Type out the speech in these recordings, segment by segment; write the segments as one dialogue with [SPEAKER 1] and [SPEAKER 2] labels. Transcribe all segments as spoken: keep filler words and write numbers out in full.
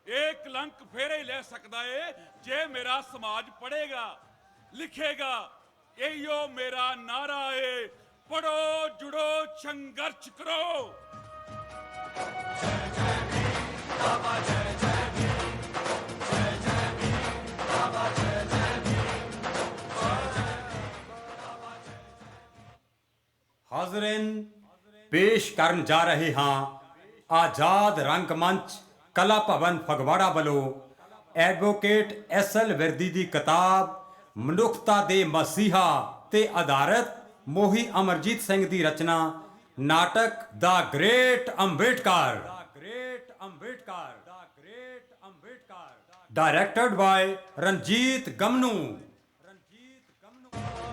[SPEAKER 1] ਇਹ ਕਲੰਕ ਫੇਰੇ ਹੀ ਲੈ ਸਕਦਾ ਏ ਜੇ ਮੇਰਾ ਸਮਾਜ ਪੜ੍ਹੇਗਾ ਲਿਖੇਗਾ। ਇਹੀਓ ਮੇਰਾ ਨਾਰਾ ਏ, ਪੜੋ ਜੁੜੋ ਸੰਘਰਸ਼ ਕਰੋ।
[SPEAKER 2] ਹਾਜ਼ਰੀਨ, ਪੇਸ਼ ਕਰਨ ਜਾ ਰਹੇ ਹਾਂ ਆਜ਼ਾਦ ਰੰਗਮੰਚ ਕਲਾ ਭਵਨ ਫਗਵਾੜਾ ਵੱਲੋਂ ਐਡਵੋਕੇਟ ਐਸ ਐਲ ਵਿਰਦੀ ਦੀ ਕਿਤਾਬ ਮਨੁੱਖਤਾ ਦੇ ਮਸੀਹਾ ਤੇ ਆਧਾਰਿਤ ਮੋਹੀ ਅਮਰਜੀਤ ਸਿੰਘ ਦੀ ਰਚਨਾ ਨਾਟਕ ਦਾ ਗ੍ਰੇਟ ਅੰਬੇਡਕਰ ਗ੍ਰੇਟ ਅੰਬੇਡਕਰ ਦਾ great Ambedkar directed by Ranjit Gamnu Ranjit Gamnu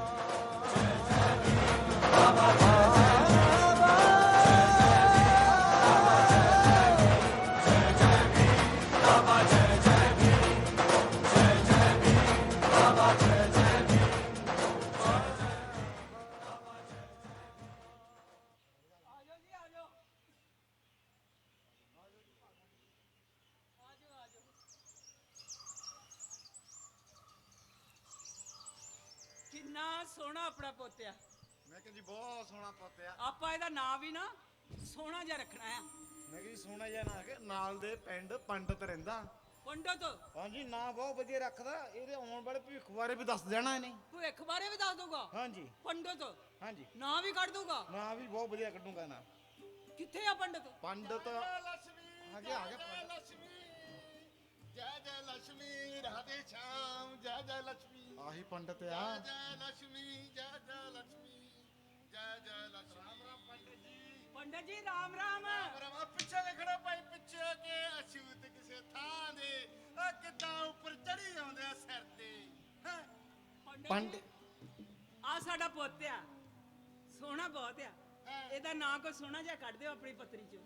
[SPEAKER 3] ਕਿੰਨਾ ਸੋਹਣਾ ਆਪਣਾ ਪੋਤਿਆ।
[SPEAKER 4] ਮੈਂ ਕਿਹਾ ਜੀ ਬਹੁਤ ਸੋਹਣਾ ਪੁੱਤ ਆ।
[SPEAKER 3] ਆਪਾਂ ਇਹਦਾ ਨਾਂ ਵੀ ਨਾ ਸੋਹਣਾ ਜਿਹਾ ਰੱਖਣਾ ਆ।
[SPEAKER 4] ਮੈਂ ਕਿਹਾ ਜੀ ਸੋਹਣਾ ਜਿਹਾ ਨਾ ਕਿ ਨਾਲ ਦੇ ਪਿੰਡ ਪੰਡਤ ਰਹਿੰਦਾ।
[SPEAKER 3] ਪੰਡਤ
[SPEAKER 4] ਹਾਂਜੀ ਨਾਂ ਬਹੁਤ ਵਧੀਆ ਰੱਖਦਾ। ਇਹਦੇ ਆਉਣ ਵਾਲੇ ਭਵਿੱਖ ਬਾਰੇ ਵੀ ਦੱਸ ਦੇਣਾ ਇਹਨੇ।
[SPEAKER 3] ਭਵਿੱਖ ਬਾਰੇ ਵੀ ਦੱਸ ਦਊਗਾ।
[SPEAKER 4] ਹਾਂਜੀ
[SPEAKER 3] ਪੰਡਤ
[SPEAKER 4] ਹਾਂਜੀ
[SPEAKER 3] ਨਾਂ ਵੀ ਕੱਢ ਦਊਗਾ।
[SPEAKER 4] ਨਾਂ ਵੀ ਬਹੁਤ ਵਧੀਆ ਕੱਢੂਗਾ ਨਾ।
[SPEAKER 3] ਕਿੱਥੇ ਆ ਪੰਡਤ?
[SPEAKER 4] ਪੰਡਤ
[SPEAKER 5] जय
[SPEAKER 4] ਆ
[SPEAKER 5] लक्ष्मी
[SPEAKER 4] ਗਿਆ ਆ ਗਿਆ
[SPEAKER 5] जय
[SPEAKER 4] ਪੰਡਤ।
[SPEAKER 5] लक्ष्मी जय जय लक्ष्मी राधे श्याम जय जय लक्ष्मी
[SPEAKER 4] ਆਹੀ ਪੰਡਤ ਆ।
[SPEAKER 5] जय जय लक्ष्मी जय जय लक्ष्मी जय जय लक्ष्मी राम राम पंडित जी
[SPEAKER 3] ਪੰਡਤ ਜੀ ਰਾਮ ਰਾਮ।
[SPEAKER 5] राम पिछे देखना भाई पिछे के अछूत किसे थां दे आ किदां ऊपर चढ़ी आउंदे आ सिर ते हैं
[SPEAKER 4] ਪੰਡਿਤ
[SPEAKER 3] ਆ ਸਾਡਾ ਪੋਤਿਆ ਸੋਹਣਾ ਬਹੁਤ ਆ।
[SPEAKER 5] ਹਾਂ।
[SPEAKER 3] ਇਹਦਾ ਨਾਂ ਕੋਈ ਸੋਹਣਾ ਜਿਹਾ ਕੱਢ ਦਿਓ ਆਪਣੀ ਪੱਤਰੀ ਚੋਂ।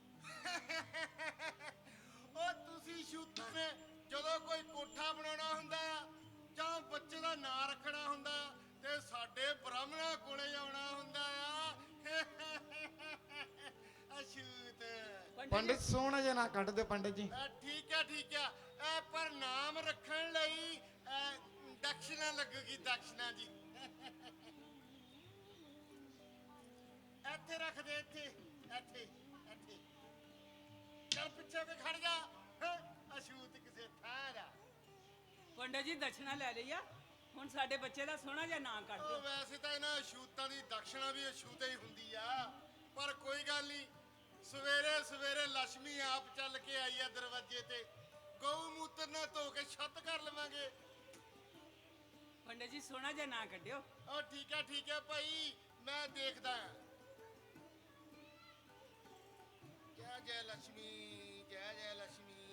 [SPEAKER 5] ਉਹ ਤੁਸੀਂ ਸ਼ੂਤ ਨੇ ਜਦੋਂ ਕੋਈ ਕੋਠਾ ਬਣਾਉਣਾ ਹੁੰਦਾ ਆ ਜਾਂ ਬੱਚੇ ਦਾ ਨਾਂ ਰੱਖਣਾ ਹੁੰਦਾ ਤੇ ਸਾਡੇ ਬ੍ਰਾਹਮਣਾਂ ਕੋਲੇ ਆਉਣਾ ਹੁੰਦਾ ਆ। ਅਸ਼ੂਤ
[SPEAKER 4] ਪੰਡਿਤ ਸੋਹਣਾ ਜਿਹਾ ਨਾ ਕੱਢ ਦਿਓ ਪੰਡਿਤ ਜੀ।
[SPEAKER 5] ਅ, ਠੀਕ ਹੈ ਠੀਕ ਹੈ ਅ, ਪਰ ਨਾਮ ਰੱਖਣ ਲਈ ਅ, ਦਕਸ਼ਨਾ ਲੱਗੂਗੀ ਦਕਸ਼ਨਾ ਜੀ। ਇੱਥੇ ਰੱਖ ਦੇ ਇੱਥੇ ਇੱਥੇ ਇੱਥੇ ਚੱਲ ਪਿੱਛੇ ਕੇ ਖੜ ਜਾ ਹੈਂ, ਅਛੂਤ ਕਿਸੇ ਥਾਂ ਦਾ।
[SPEAKER 3] ਪੰਡਤ ਜੀ ਦਕਸ਼ਨਾ ਲੈ ਲਈ ਆ, ਹੁਣ ਸਾਡੇ ਬੱਚੇ ਦਾ ਸੋਹਣਾ ਜਿਹਾ ਨਾਂ ਕੱਢ
[SPEAKER 5] ਉਹ
[SPEAKER 3] ਦਿਓ।
[SPEAKER 5] ਵੈਸੇ ਤਾਂ ਇਹਨਾਂ ਅਛੂਤਾਂ ਦੀ ਦਕਸ਼ਨਾ ਵੀ ਅਛੂਤ ਹੀ ਹੁੰਦੀ ਆ, ਪਰ ਕੋਈ ਗੱਲ ਨਹੀਂ। ਸਵੇਰੇ ਸਵੇਰੇ ਲక్ష్ਮੀ ਆਪ ਚੱਲ ਕੇ ਆਈ ਆ ਦਰਵਾਜ਼ੇ ਤੇ। ਗਊ ਮੂਤਰ ਨਾਲ ਧੋ ਕੇ ਛੱਤ ਕਰ ਲਵਾਂਗੇ।
[SPEAKER 3] ਪੰਡਤ ਜੀ ਸੋਹਣਾ ਜਿਹਾ ਨਾਂ ਕੱਢਿਓ।
[SPEAKER 5] ਉਹ ਠੀਕ ਹੈ ਠੀਕ ਹੈ ਭਾਈ, ਮੈਂ ਦੇਖਦਾ ਹਾਂ। ਜੈ ਜੈ ਲక్ష్ਮੀ ਜੈ ਜੈ ਲక్ష్ਮੀ।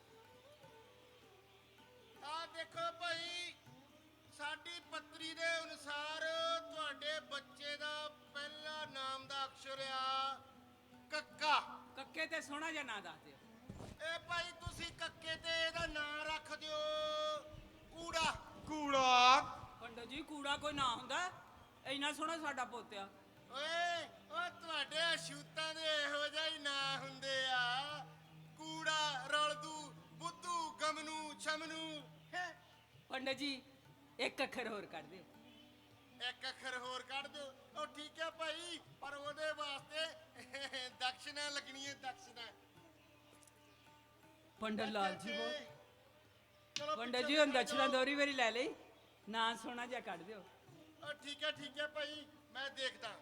[SPEAKER 5] ਆ ਦੇਖੋ ਭਾਈ, ਸਾਡੀ ਪੱਤਰੀ ਦੇ ਅਨੁਸਾਰ ਤੁਹਾਡੇ ਬੱਚੇ ਦਾ ਪਹਿਲਾ ਨਾਮ ਦਾ ਅਕਸ਼ਰ ਆ ਕੱਕਾ।
[SPEAKER 3] ਕੱਕੇ ਤੇ ਸੋਹਣਾ ਜਿਹਾ ਨਾਂ ਦੱਸ ਦਿਓ।
[SPEAKER 5] ਇਹ ਭਾਈ ਤੁਸੀਂ ਕੱਕੇ ਤੇ ਇਹਦਾ ਨਾਂ ਰੱਖ ਦਿਓ ਕੂੜਾ।
[SPEAKER 4] ਕੂੜਾ
[SPEAKER 3] ਪੰਡਤ ਜੀ ਕੂੜਾ ਕੋਈ ਨਾਂ ਹੁੰਦਾ? ਇੰਨਾ ਸੋਹਣਾ ਸਾਡਾ ਪੋਤਿਆ।
[SPEAKER 5] ਓਏ ਉਹ ਤੁਹਾਡੇ ਅਛੂਤਾਂ ਦੇ ਇਹੋ ਜਿਹੇ ਹੀ ਨਾਂ ਹੁੰਦੇ ਆ। ਕੂੜਾ, ਰਲਦੂ, ਬੁੱਧੂ, ਗਮਨੂ, ਛਮਨੂ। ਹੈਂ।
[SPEAKER 3] ਪੰਡਤ ਜੀ ਇੱਕ ਅੱਖਰ ਹੋਰ ਕੱਢ ਦਿਓ।
[SPEAKER 5] ਇੱਕ ਅੱਖਰ ਹੋਰ ਕੱਢ ਦਿਓ। ਉਹ ਠੀਕ ਹੈ ਭਾਈ, ਪਰ ਉਹਦੇ ਵਾਸਤੇ ਦਕਸ਼ਨਾ ਲੱਗਣੀ ਹੈ ਦਕਸ਼ਨਾ।
[SPEAKER 3] ਪੰਡਤ ਲਾਲ ਜੀ ਬਹੁਤ
[SPEAKER 5] ਚਲੋ
[SPEAKER 3] ਪੰਡਤ
[SPEAKER 5] ਪਿੱਛੇ
[SPEAKER 3] ਜੀ ਹੁਣ
[SPEAKER 5] ਖੜ
[SPEAKER 3] ਦਕਸ਼ਨਾ
[SPEAKER 5] ਜਾਓ।
[SPEAKER 3] ਦੋਹਰੀ ਵਾਰੀ ਲੈ ਲਈ, ਨਾਂ ਸੋਹਣਾ ਜਿਹਾ ਕੱਢ ਦਿਓ।
[SPEAKER 5] ਉਹ ਠੀਕ ਹੈ ਠੀਕ ਹੈ ਭਾਈ, ਮੈਂ ਦੇਖਦਾ।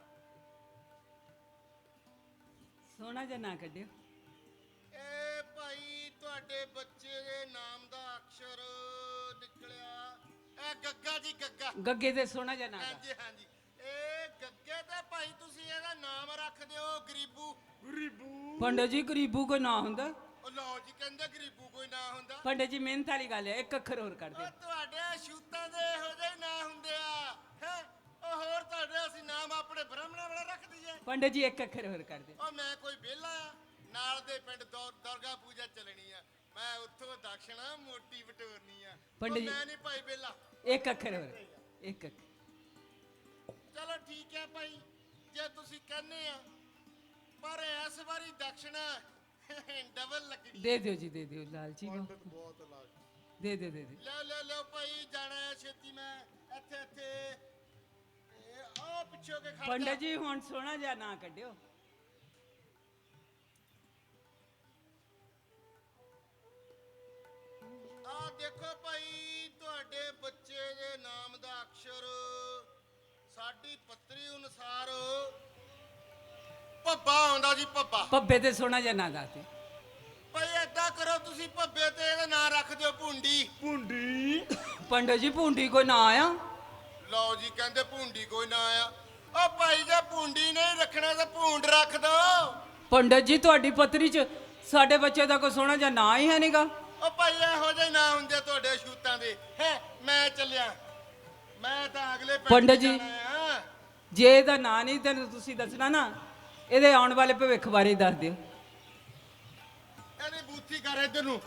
[SPEAKER 3] ਸੋਹਣਾ ਜਿਹਾ ਨਾਂ ਕੱਢਿਓ।
[SPEAKER 5] ਇਹ ਭਾਈ ਤੁਹਾਡੇ ਬੱਚੇ ਦੇ ਨਾਮ ਦਾ ਅਕਸ਼ਰ ਨਿਕਲਿਆ ਇਹ ਗੱਗਾ ਜੀ ਗੱਗਾ।
[SPEAKER 3] ਗੱਗੇ ਤੇ ਸੋਹਣਾ ਜਿਹਾ ਨਾਂ ਦੱਸ।
[SPEAKER 5] ਹਾਂਜੀ ਹਾਂਜੀ, ਇਹ ਗੱਗੇ ਤੇ ਭਾਈ ਤੁਸੀਂ ਇਹਦਾ ਨਾਮ ਰੱਖ ਦਿਓ ਗਰੀਬੂ। ਗਰੀਬੂ
[SPEAKER 3] ਪੰਡਤ ਜੀ ਗਰੀਬੂ ਕੋਈ ਨਾਂ ਹੁੰਦਾ?
[SPEAKER 5] ਉਹ ਲਓ ਜੀ, ਕਹਿੰਦੇ ਗਰੀਬੂ ਕੋਈ ਨਾ ਹੁੰਦਾ।
[SPEAKER 3] ਪੰਡਤ ਜੀ ਮਿਹਨਤ ਵਾਲੀ ਗੱਲ ਹੈ, ਇੱਕ ਅੱਖਰ ਹੋਰ ਕੱਢ
[SPEAKER 5] ਉਹ
[SPEAKER 3] ਦਿਓ।
[SPEAKER 5] ਤੁਹਾਡੇ ਸ਼ੂਤਾਂ ਦੇ ਇਹੋ ਜਿਹੇ ਨਾਂ ਹੁੰਦੇ ਆ ਹੈ। ਉਹ ਹੋਰ ਤੁਹਾਡੇ ਅਸੀਂ ਨਾਮ ਆਪਣੇ ਬ੍ਰਾਹਮਣਾਂ ਵਾਲਾ ਰੱਖ ਦਈਏ।
[SPEAKER 3] ਪੰਡਤ ਜੀ ਇੱਕ ਅੱਖਰ ਹੋਰ ਕੱਢ ਦਿਓ।
[SPEAKER 5] ਉਹ ਮੈਂ ਕੋਈ ਵਿਹਲਾ ਆ, ਨਾਲ ਦੇ ਪਿੰਡ ਦੌਰ- ਦੁਰਗਾ ਪੂਜਾ ਚੱਲਣੀ ਆ। ਮੈਂ ਉੱਥੋਂ ਦਕਸ਼ਣਾ ਮੋਟੀ ਬਟੋਰਨੀ ਆ।
[SPEAKER 3] ਪੰਡਿਤ
[SPEAKER 5] ਉਹ
[SPEAKER 3] ਜੀ-
[SPEAKER 5] ਮੈਂ ਨਹੀਂ ਭਾਈ ਵਿਹਲਾ।
[SPEAKER 3] ਇੱਕ ਅੱਖਰ ਹੋਰ, ਇੱਕ ਅੱਖਰ।
[SPEAKER 5] ਚਲੋ ਠੀਕ ਹੈ ਭਾਈ, ਜੇ ਤੁਸੀਂ ਕਹਿੰਦੇ ਆ, ਪਰ ਇਸ ਵਾਰੀ ਦਕਸ਼ਣਾ ਡਬਲ ਲੱਕੜੀ
[SPEAKER 3] ਦੇ ਦਿਓ ਜੀ ਦੇ ਦਿਓ ਲਾਲਚੀ ਨੂੰ
[SPEAKER 5] ਪੰਡਤ ਬਹੁਤ ਲਾਗ
[SPEAKER 3] ਦੇ ਦਿਓ ਦੇ ਦਿਓ
[SPEAKER 5] ਲੈ ਲੈ ਲੈ ਭਾਈ ਜਾਣਾ ਹੈ ਛੇਤੀ ਮੈਂ ਇੱਥੇ ਇੱਥੇ ਇਹ ਆ ਪਿੱਛੇ ਕੇ ਖੜ ਜਾ
[SPEAKER 3] ਪੰਡਤ ਜੀ ਹੁਣ ਸੋਹਣਾ ਜਿਹਾ ਨਾ ਕੱਢਿਓ
[SPEAKER 5] ਆ ਦੇਖੋ ਭਾਈ ਤੁਹਾਡੇ ਬੱਚੇ ਦੇ ਨਾਮ ਦਾ ਅਕਸ਼ਰ ਸਾਡੀ ਪੱਤਰੀ ਅਨੁਸਾਰ ਭੱਬਾ ਆਉਂਦਾ ਜੀ ਭੱਬਾ
[SPEAKER 3] ਪੱਬੇ ਤੇ ਸੋਹਣਾ ਜਿਹਾ ਨਾ ਦੱਸ ਦਿਓ
[SPEAKER 5] ਭਾਈ ਏਦਾਂ ਕਰੋ ਤੁਸੀਂ ਭੱਬੇ ਤੇ ਇਹਦਾ ਨਾਂ ਰੱਖ ਦਿਓ ਭੁੰਡੀ ਭੁੰਡੀ
[SPEAKER 3] ਪੰਡਤ ਜੀ ਭੁੰਡੀ ਕੋਈ ਨਾ ਆਇਆ
[SPEAKER 5] ਲਓ ਜੀ ਕਹਿੰਦੇ ਭੁੰਡੀ ਕੋਈ ਨਾ ਆਇਆ ਉਹ ਭਾਈ ਜੇ ਭੁੰਡੀ ਨਹੀਂ ਰੱਖਣਾ ਤਾਂ ਭੁੰਡ ਰੱਖ ਦੋ
[SPEAKER 3] ਪੰਡਤ ਜੀ ਤੁਹਾਡੀ ਪੱਤਰੀ 'ਚ ਸਾਡੇ ਬੱਚੇ ਦਾ ਕੋਈ ਸੋਹਣਾ ਜਿਹਾ ਨਾਂ ਹੀ ਹੈ ਨਹੀਂਗਾ
[SPEAKER 5] ਉਹ ਭਾਈ ਇਹੋ ਜਿਹੇ ਨਾਂ ਹੁੰਦੇ ਤੁਹਾਡੇ ਸ਼ੂਤਾਂ ਦੇ ਹੈ ਮੈਂ ਚੱਲਿਆ ਮੈਂ ਤਾਂ ਅਗਲੇ ਪਿੰਡ
[SPEAKER 3] ਪੰਡਤ ਜੀ।
[SPEAKER 5] ਜਾਣਾ ਆ।
[SPEAKER 3] ਜੇ ਇਹਦਾ ਨਾਂ ਨਹੀਂ ਤੈਨੂੰ ਤੁਸੀਂ ਦੱਸਣਾ ਨਾ ਇਹਦੇ ਆਉਣ ਵਾਲੇ ਭਵਿੱਖ ਬਾਰੇ ਦੱਸ ਦਿਓ
[SPEAKER 5] ਇਹਦੀ ਬੂਥੀ ਕਰ ਇੱਧਰ ਨੂੰ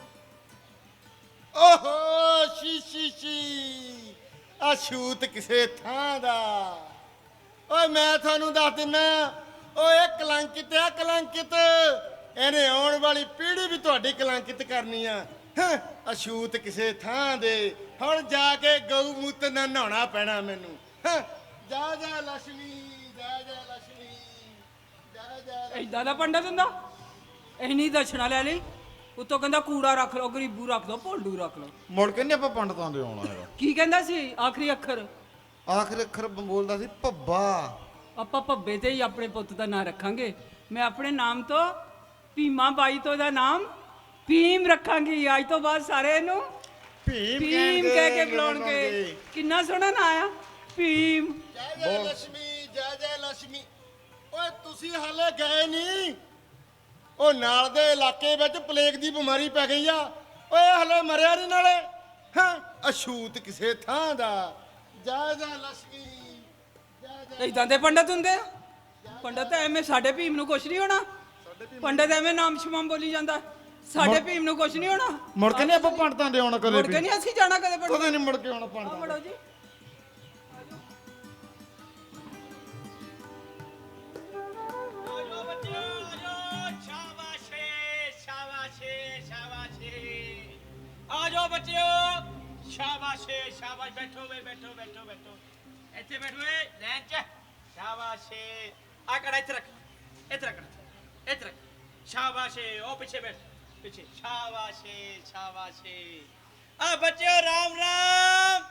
[SPEAKER 5] ਓਹੋ ਸ਼ੀ ਸ਼ੀ ਸ਼ੀ ਆ ਸ਼ੂਤ ਕਿਸੇ ਥਾਂ ਦਾ ਓਏ ਮੈਂ ਤੁਹਾਨੂੰ ਦੱਸ ਦਿੰਨਾ ਓਏ ਕਲੰਕਿਤ ਆ ਕਲੰਕਿਤ ਇਹਨੇ ਆਉਣ ਵਾਲੀ ਪੀੜ੍ਹੀ ਵੀ ਤੁਹਾਡੀ ਕਲੰਕਿਤ ਕਰਨੀ ਆ ਹੈਂ, ਅਛੂਤ ਕਿਸੇ ਥਾਂ ਦੇ ਹੁਣ ਜਾ ਕੇ ਗਊ ਮੂਤ ਨਾਲ ਨਹਾਉਣਾ ਪੈਣਾ ਮੈਨੂੰ ਹੈਂ, ਜਾ ਜਾ ਲక్ష్ਮੀ ਜਾ ਜਾ ਲక్ష్ਮੀ ਜਾ ਜਾ
[SPEAKER 3] ਏਦਾਂ ਦਾ ਪੰਡਤ ਹੁੰਦਾ ਇੰਨੀ ਦਛਣਾ ਲੈ ਲਈ ਉੱਤੋਂ ਕਹਿੰਦਾ ਕੂੜਾ ਰੱਖ ਲਓ ਗਰੀਬੂ ਰੱਖ ਲਓ ਭੋਲੂ ਰੱਖ ਲਓ
[SPEAKER 4] ਮੁੜ ਕੇ ਨਹੀਂ ਆਪਾਂ ਪੰਡਤਾਂ ਦੇ ਆਉਣਾ ਹੈਗਾ
[SPEAKER 3] ਕੀ ਕਹਿੰਦਾ ਸੀ ਆਖਰੀ ਅੱਖਰ
[SPEAKER 4] ਆਖਰ ਅੱਖਰ ਬੋਲਦਾ ਸੀ ਭੱਬਾ
[SPEAKER 3] ਆਪਾਂ ਭੱਬੇ ਤੇ ਹੀ ਆਪਣੇ ਪੁੱਤ ਦਾ ਨਾਂ ਰੱਖਾਂਗੇ ਮੈਂ ਆਪਣੇ ਨਾਮ ਤੋਂ ਭੀਮਾ ਬਾਈ ਤੋਂ ਦਾ ਨਾਮ ਭੀਮ ਰੱਖਾਂਗੀ ਅੱਜ ਤੋਂ ਬਾਅਦ ਸਾਰੇ ਇਹਨੂੰ
[SPEAKER 4] ਭੀਮ
[SPEAKER 3] ਭੀਮ ਕਹਿ ਕੇ ਬੁਲਾਉਣਗੇ ਕਿੰਨਾ ਸੋਹਣਾ ਨਾਂ ਆ ਭੀਮ
[SPEAKER 5] ਜੈ ਜੈ ਲక్ష్ਮੀ ਜੈ ਜੈ ਲక్ష్ਮੀ ਓਏ ਤੁਸੀਂ ਹਾਲੇ ਗਏ ਨਹੀਂ ਉਹ ਨਾਲ ਦੇ ਇਲਾਕੇ ਵਿੱਚ ਪਲੇਗ ਦੀ ਬਿਮਾਰੀ ਪੈ ਗਈ ਆ ਓਏ ਹਲੇ ਮਰਿਆ ਨਹੀਂ ਨਾਲੇ ਹਾਂ ਅਛੂਤ ਕਿਸੇ ਥਾਂ ਦਾ ਜੈ ਜੈ ਲక్ష్ਮੀ ਜੈ ਜੈ
[SPEAKER 3] ਇਦਾਂ ਦੇ ਪੰਡਤ ਹੁੰਦੇ ਆ ਪੰਡਤ ਐਵੇਂ ਸਾਡੇ ਭੀਮ ਨੂੰ ਕੁਛ ਨਹੀਂ ਹੋਣਾ ਪੰਡਤ ਐਵੇਂ ਨਾਮ ਸ਼ਮਮ ਬੋਲੀ ਜਾਂਦਾ ਸਾਡੇ ਭੀਮ ਨੂੰ ਕੁਛ ਨਹੀਂ ਹੋਣਾ
[SPEAKER 4] ਮੁੜ ਕੇ ਨਹੀਂ ਆਪਾਂ ਪੰਡਤਾਂ ਦੇ ਆਉਣਾ ਕਦੇ
[SPEAKER 3] ਮੁੜ ਕੇ
[SPEAKER 4] ਵੀ
[SPEAKER 3] ਨਹੀਂ ਅਸੀਂ ਜਾਣਾ ਕਦੇ ਪੰਡਤ
[SPEAKER 4] ਕਦੇ ਨਹੀਂ ਮੁੜ ਕੇ ਆਉਣਾ
[SPEAKER 3] ਆਓ
[SPEAKER 4] ਪੰਡਤਾਂ
[SPEAKER 3] ਬੜੋ ਜੀ
[SPEAKER 6] ਆਜੋ ਬੱਚਿਓ ਆਜੋ ਸ਼ਾਬਾਸ਼ੇ ਸ਼ਾਬਾਸ਼ੇ ਸ਼ਾਬਾਸ਼ੇ ਆਜੋ ਬੱਚਿਓ ਸ਼ਾਬਾਸ਼ੇ ਸ਼ਾਬਾਸ਼ ਬੈਠੋ ਵੇ ਬੈਠੋ ਬੈਠੋ ਬੈਠੋ ਇੱਥੇ ਬੈਠੋ ਏ ਲੈਣ ਚ ਸ਼ਾਬਾਸ਼ੇ ਆ ਕੜਾ ਇੱਥੇ ਰੱਖ ਇੱਥੇ ਰੱਖ ਇੱਥੇ ਰੱਖ ਸ਼ਾਬਾਸ਼ੇ ਉਹ ਪਿੱਛੇ ਬੈਠ ਪਿੱਛੇ ਸ਼ਾਬਾਸ਼ੇ ਸ਼ਾਬਾਸ਼ੇ ਆ ਬੱਚਿਓ ਰਾਮ ਰਾਮ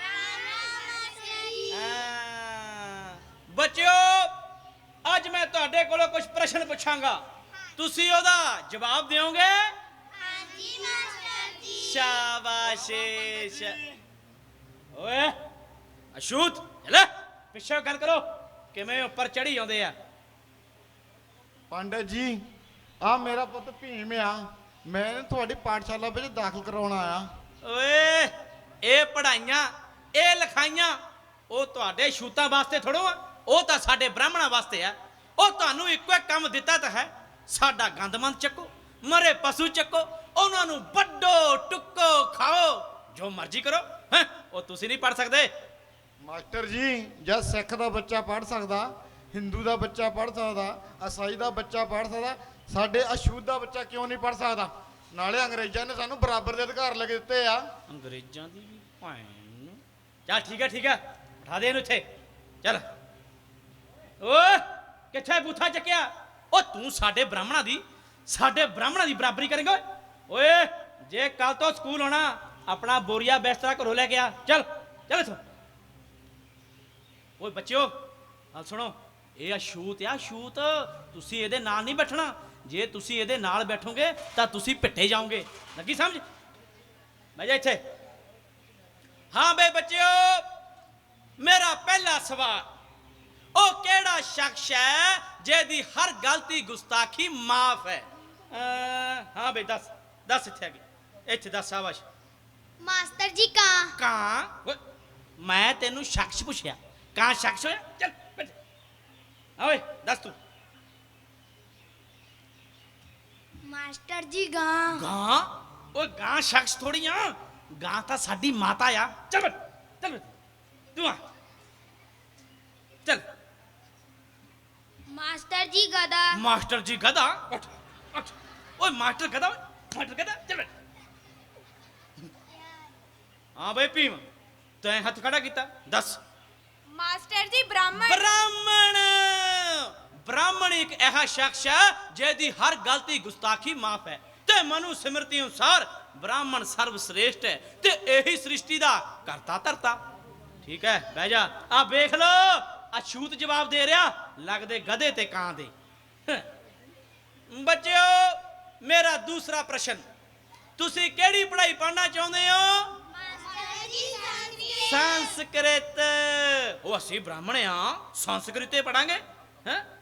[SPEAKER 6] ਹਾਂ ਬੱਚਿਓ ਅੱਜ ਮੈਂ ਤੁਹਾਡੇ ਕੋਲੋਂ ਕੁਝ ਪ੍ਰਸ਼ਨ ਪੁੱਛਾਂਗਾ ਤੁਸੀਂ ਉਹਦਾ ਜਵਾਬ ਦਿਓਗੇ ਹਾਂਜੀ ਮਾਸਟਰ ਜੀ ਸ਼ਾਬਾਸ਼ੇ ਸ਼ਾ ਓਏ ਅਸ਼ੂਤ ਲੈ ਪਿੱਛੇ ਗੱਲ ਕਰੋ ਕਿਵੇਂ ਉੱਪਰ ਚੜੀ ਆਉਂਦੇ ਆ
[SPEAKER 4] ਪੰਡਤ ਜੀ ਆ ਮੇਰਾ ਪੁੱਤ ਭੀਮ ਆ ਮੈਂ ਤੁਹਾਡੀ ਪਾਠਸ਼ਾਲਾ ਵਿੱਚ ਦਾਖਲ ਕਰਾਉਣ ਆਇਆ
[SPEAKER 6] ਓਏ ਇਹ ਪੜਾਈਆਂ ਇਹ ਲਿਖਾਈਆਂ ਉਹ ਤੁਹਾਡੇ ਸ਼ੂਤਾਂ ਵਾਸਤੇ ਥੋੜੋ ਆ ਉਹ ਤਾਂ ਸਾਡੇ ਬ੍ਰਾਹਮਣਾਂ ਵਾਸਤੇ ਆ ਉਹ ਤੁਹਾਨੂੰ ਇੱਕੋ ਇੱਕ ਕੰਮ ਦਿੱਤਾ ਤਾਂ ਹੈ ਸਾਡਾ ਗੰਦਮੰਦ ਚੱਕੋ ਮਰੇ ਪਸ਼ੂ ਚੱਕੋ ਉਹਨਾਂ ਨੂੰ ਵੱਡੋ ਟੁੱਕੋ ਖਾਓ ਜੋ ਮਰਜ਼ੀ ਕਰੋ ਹੈਂ ਉਹ ਤੁਸੀਂ ਨਹੀਂ ਪੜ ਸਕਦੇ
[SPEAKER 4] ਮਾਸਟਰ ਜੀ ਜਦ ਸਿੱਖ ਦਾ ਬੱਚਾ ਪੜ੍ਹ ਸਕਦਾ ਹਿੰਦੂ ਦਾ ਬੱਚਾ ਪੜ੍ਹ ਸਕਦਾ ਈਸਾਈ ਦਾ ਬੱਚਾ ਪੜ੍ਹ ਸਕਦਾ ਸਾਡੇ ਅਛੂਤ ਦਾ ਬੱਚਾ ਕਿਉਂ ਨਹੀਂ ਪੜ੍ਹ ਸਕਦਾ ਨਾਲੇ ਅੰਗਰੇਜ਼ਾਂ ਨੇ ਸਾਨੂੰ ਬਰਾਬਰ ਦੇ ਅਧਿਕਾਰ ਲੈ ਕੇ ਦਿੱਤੇ ਆ
[SPEAKER 6] ਅੰਗਰੇਜ਼ਾਂ ਦੀ ਵੀ ਭੈਣ ਨੂੰ ਚੱਲ ਠੀਕ ਹੈ ਠੀਕ ਹੈ ਉਠਾ ਦੇ ਇਹਨੂੰ ਇੱਥੇ ਚੱਲ ਓਏ ਕਿੱਥੇ ਬੂਥਾ ਚੱਕਿਆ ਉਹ ਤੂੰ ਸਾਡੇ ਬ੍ਰਾਹਮਣਾਂ ਦੀ ਸਾਡੇ ਬ੍ਰਾਹਮਣਾਂ ਦੀ ਬਰਾਬਰੀ ਕਰੇਂਗਾ ਓਏ ਜੇ ਕੱਲ ਤੋਂ ਸਕੂਲ ਹੋਣਾ ਆਪਣਾ ਬੋਰੀਆ ਬਿਸਤਰਾ ਘਰੋਂ ਲੈ ਕੇ ਆ ਚੱਲ ਚੱਲ ਇੱਥੋਂ ਓਏ ਬੱਚਿਓ ਆ ਸੁਣੋ ਇਹ ਆ ਸ਼ੂਤ ਆ ਸ਼ੂਤ ਤੁਸੀਂ ਇਹਦੇ ਨਾਲ ਨਹੀਂ ਬੈਠਣਾ ਜੇ ਤੁਸੀਂ ਇਹਦੇ ਨਾਲ ਬੈਠੋਗੇ ਤਾਂ ਤੁਸੀਂ ਪਿੱਟੇ ਜਾਓਗੇ ਲੱਗੀ ਸਮਝ ਬਹਿ ਜਾ ਇੱਥੇ ਹਾਂ ਬੇ ਬੱਚਿਓ ਮੇਰਾ ਪਹਿਲਾ ਸਵਾਲ ਉਹ ਕਿਹੜਾ ਸ਼ਖਸ ਹੈ ਜਿਹਦੀ ਹਰ ਗਲਤੀ ਗੁਸਤਾਖੀ ਮਾਫ ਹੈ ਅਹ, ਹਾਂ ਬੇ ਦੱਸ ਦੱਸ ਇੱਥੇ ਆ ਗਈ ਇੱਥੇ ਦੱਸ ਸ਼ਾਬਾਸ਼
[SPEAKER 7] ਮਾਸਟਰ ਜੀ ਕਾਂ
[SPEAKER 6] ਕਾਂ ਓਏ, ਮੈਂ ਤੈਨੂੰ ਸ਼ਖਸ ਪੁੱਛਿਆ ਕਾਂ ਸ਼ਖਸ ਹੋਇਆ ਚੱਲ ਬੈਠ ਆ ਓਏ ਦੱਸ ਤੂੰ
[SPEAKER 7] ਮਾਸਟਰ ਜੀ ਗਾਂ
[SPEAKER 6] ਗਾਂ ਓਏ ਗਾਂ ਸ਼ਖਸ ਥੋੜੀ ਆ ਗਾਂ ਤਾਂ ਸਾਡੀ ਮਾਤਾ ਆ ਚੱਲ ਬੈਠ ਚੱਲ ਬੈਠ ਤੂੰ ਆ ਚੱਲ
[SPEAKER 7] ਮਾਸਟਰ ਜੀ ਗਦਾ
[SPEAKER 6] ਮਾਸਟਰ ਜੀ ਗਧਾ ਉੱਠ ਉੱਠ ਓਏ ਮਾਸਟਰ ਕਹਦਾ ਮਾਸਟਰ ਕਹਦਾ ਚੱਲ ਬੈਠ। ਹਾਂ ਬਈ ਭੀਮ ਤੈਂ ਹੱਥ ਖੜਾ ਕੀਤਾ ਦੱਸ।
[SPEAKER 8] ਮਾਸਟਰ ਜੀ ਬ੍ਰਾਹਮਣ
[SPEAKER 6] ਬ੍ਰਾਹਮਣ ਬ੍ਰਾਹਮਣ ਇੱਕ ਐਸਾ ਸ਼ਖਸ ਹੈ ਜਿਹਦੀ ਹਰ ਗਲਤੀ ਗੁਸਤਾਖੀ ਮਾਫ ਹੈ ਤੇ ਮਨੁ ਸਿਮਰਤੀ ਅਨੁਸਾਰ ਬ੍ਰਾਹਮਣ ਸਰਵ ਸ੍ਰੇਸ਼ਟ ਹੈ ਤੇ ਇਹੀ ਸ੍ਰਿਸ਼ਟੀ ਦਾ ਕਰਤਾ ਧਰਤਾ। ਠੀਕ ਹੈ ਬਹਿ ਜਾ। ਆ ਵੇਖ ਲੋ ਅਛੂਤ ਜਵਾਬ ਦੇ ਰਿਹਾ ਲੱਗਦੇ ਗਧੇ ਤੇ ਕਾਂ ਦੇ। ਬੱਚਿਓ ਮੇਰਾ ਦੂਸਰਾ ਪ੍ਰਸ਼ਨ, ਤੁਸੀਂ ਕਿਹੜੀ ਪੜ੍ਹਾਈ ਪੜ੍ਹਨਾ ਚਾਹੁੰਦੇ ਹੋ? ਸੰਸਕ੍ਰਿਤ। ਉਹ ਅਸੀਂ ਬ੍ਰਾਹਮਣ ਆ ਸੰਸਕ੍ਰਿਤ ਪੜਾਂਗੇ ਹੈ